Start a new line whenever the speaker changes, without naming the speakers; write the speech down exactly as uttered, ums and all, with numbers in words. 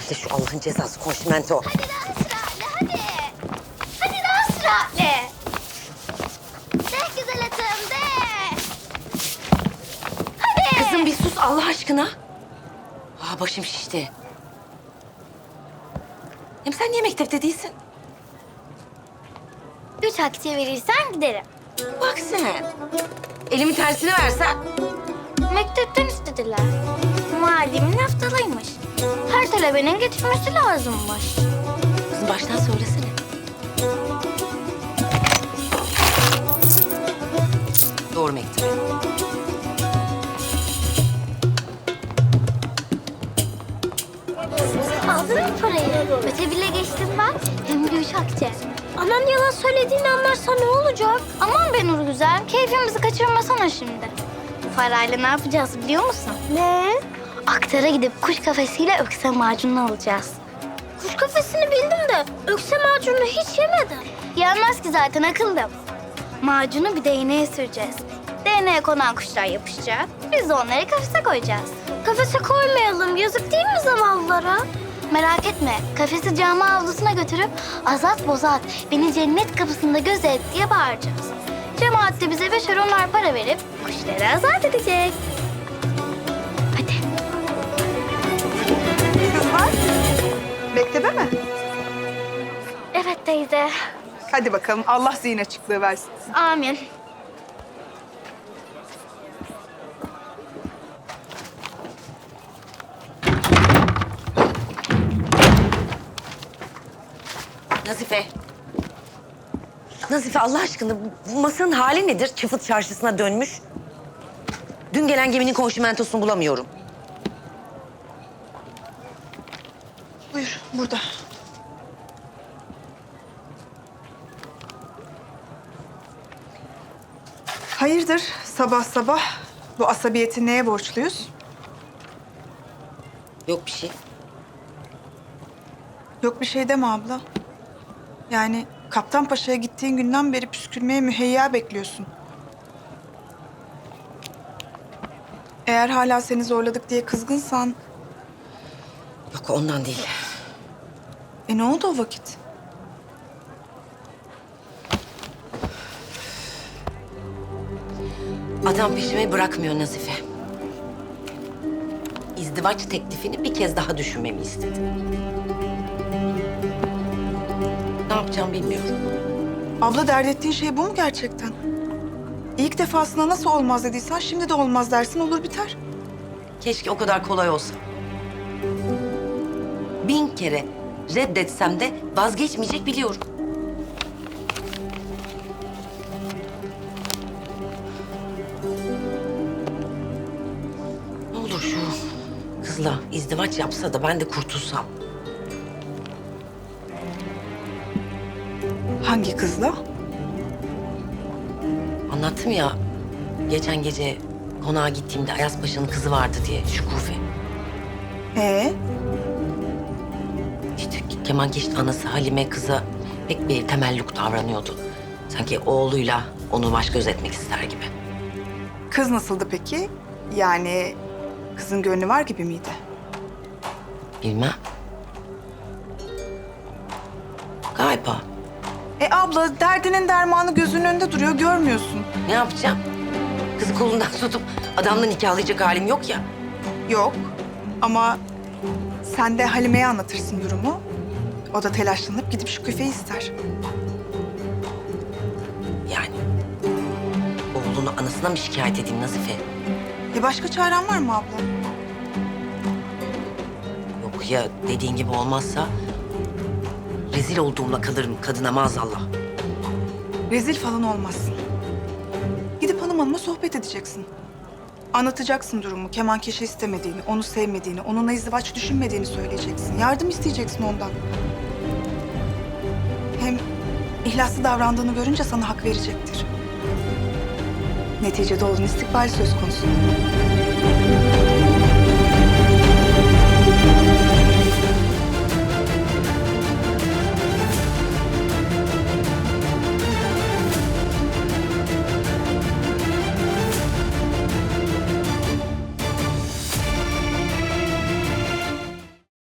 İşte şu Allah'ın cezası konşimento.
Hadi daha süratle hadi. Hadi daha süratle. De güzel atım de. Hadi.
Kızım bir sus Allah aşkına. Aa, başım şişti. Hem sen niye mektepte değilsin?
Üç akçe verirsen giderim.
Bak sen. Elimin tersini versen.
Mektepten istediler. Muallimin haftalıymış. Her talebenin getirmesi lazımmış.
Kızım baştan söylesene. Doğru mektep.
Aldın mı parayı? Öte bile geçtim ben. Hem de üç akçe. Anan yalan söylediğini anlarsa ne olacak? Aman be Nur Güzel, keyfimizi kaçırmasana şimdi. Parayla ne yapacağız biliyor musun? Ne? Aktara gidip kuş kafesiyle ökse macunu alacağız. Kuş kafesini bildim de ökse macunu hiç yemedim. Yenmez ki zaten akıllım. Macunu bir değneğe süreceğiz. Değneğe konan kuşlar yapışacak. Biz de onları kafese koyacağız. Kafese koymayalım. Yazık değil mi zavallılara? Merak etme. Kafesi cami avlusuna götürüp azat bozat beni cennet kapısında gözet diye bağıracağız. Cemaat de bize beşer onar para verip kuşları azat edecek. Hadi.
Kızlar, mektebe mi?
Evet teyze.
Hadi bakalım, Allah zihin açıklığı versin.
Amin.
Nazife. Nazife Allah aşkına bu masanın hali nedir? Çıfıt çarşısına dönmüş. Dün gelen geminin konşimentosunu bulamıyorum.
Buyur, burada. Hayırdır sabah sabah? Bu asabiyeti neye borçluyuz?
Yok bir şey.
Yok bir şey deme abla. Yani Kaptan Paşa'ya gittiğin günden beri püskürmeye müheyya bekliyorsun. Eğer hala seni zorladık diye kızgınsan...
Yok ondan değil.
E ne oldu o vakit?
Adam peşimi bırakmıyor Nazife. İzdivaç teklifini bir kez daha düşünmemi istedi. Ne yapacağım bilmiyorum.
Abla dert ettiğin şey bu mu gerçekten? İlk defasında nasıl olmaz dediysen şimdi de olmaz dersin olur biter.
Keşke o kadar kolay olsa. Bin kere reddetsem de vazgeçmeyecek biliyorum. Ne olur şu kızla izdivaç yapsa da ben de kurtulsam.
Hangi kızla?
Anlattım ya geçen gece konağa gittiğimde Ayaz Paşa'nın kızı vardı diye Şükufe.
Ee?
İşte kemankeşin anası Halime kıza pek bir temelluk davranıyordu. Sanki oğluyla onu baş göz etmek ister gibi.
Kız nasıldı peki? Yani kızın gönlü var gibi miydi?
Bilmem. Galiba.
E abla derdinin dermanı gözünün önünde duruyor görmüyorsun.
Ne yapacağım? Kızı kolundan tutup adamla nikahlayacak halim yok ya.
Yok ama sen de Halime'ye anlatırsın durumu. O da telaşlanıp gidip şu küfeyi ister.
Yani oğlunu anasına mı şikayet edeyim Nazife?
E başka çaren var mı abla?
Yok ya dediğin gibi olmazsa rezil olduğumla kalırım kadına maazallah.
Rezil falan olmazsın. Gidip hanım hanıma sohbet edeceksin. Anlatacaksın durumu, kemankeşi istemediğini, onu sevmediğini, onunla izdivaç düşünmediğini söyleyeceksin. Yardım isteyeceksin ondan. Hem ihlaslı davrandığını görünce sana hak verecektir. Neticede oğlun istikbali söz konusu.